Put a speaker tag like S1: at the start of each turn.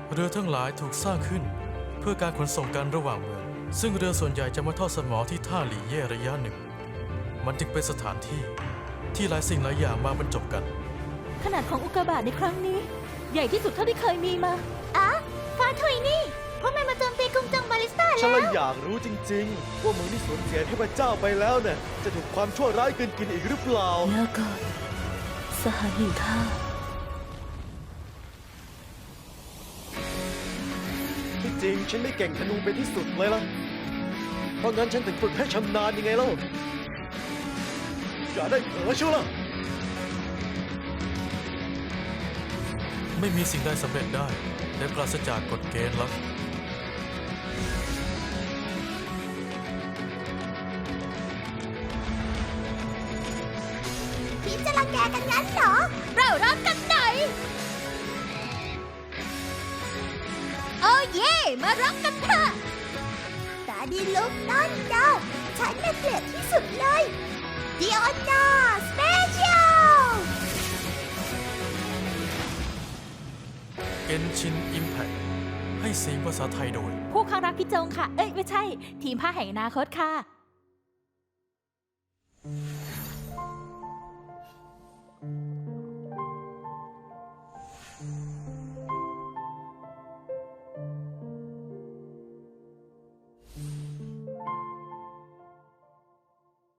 S1: เรือทั้งหลายถูกสร้างขึ้นเพื่อการขนส่งกันระหว่างเมืองซึ่งเรือส่วนใหญ่จะมาทอดสมอที่ท่าหลี่เย่ระยะหนึ่งมันจึงเป็นสถานที่ที่หลายสิ่งหลายอย่างมาบรรจบกัน
S2: ขนาดของอุกกาบาตในครั้งนี้ใหญ่ที่สุดเท่าที่เคยมีมาฟาทุยนี่พวกมันมาโจมตีกรุงจังบาลิสตาแล้ว
S3: ฉันเลยอยากรู้จริงๆว่าเมืองที่สูญเสียเทพเจ้าไปแล้วเนี่ยจะถูกความชั่วร้ายกินอีกหรือเปล่า
S2: แล้วก็สหายแห่งข้า
S3: ที่จริงฉันไม่เก่งธนูเป็นที่สุดเลยล่ะเพราะงั้นฉันถึงฝึกให้ชำนาญยังไงเล่าอย่าได้เผลอชั่วล่ะ
S1: ไม่มีสิ่งใดสำเร็จได้และปราศจากกฎเกณฑ์ลับ
S2: พี่จะรังแกกันงั้นเหรอ เรารักกันไหนโอ้เย่มารักกันเถอะตาดีลุกนั่นนะฉันน่ะเกลียดที่สุดเลยดิออนนาสเปเชียล
S1: เกนชินอิมแพคให้เสียงภาษาไทยโดย
S2: ผู้ข้างรักพี่จงค่ะ เอ้ยไม่ใช่ ทีมผ้าแห่งอนาคตค่ะ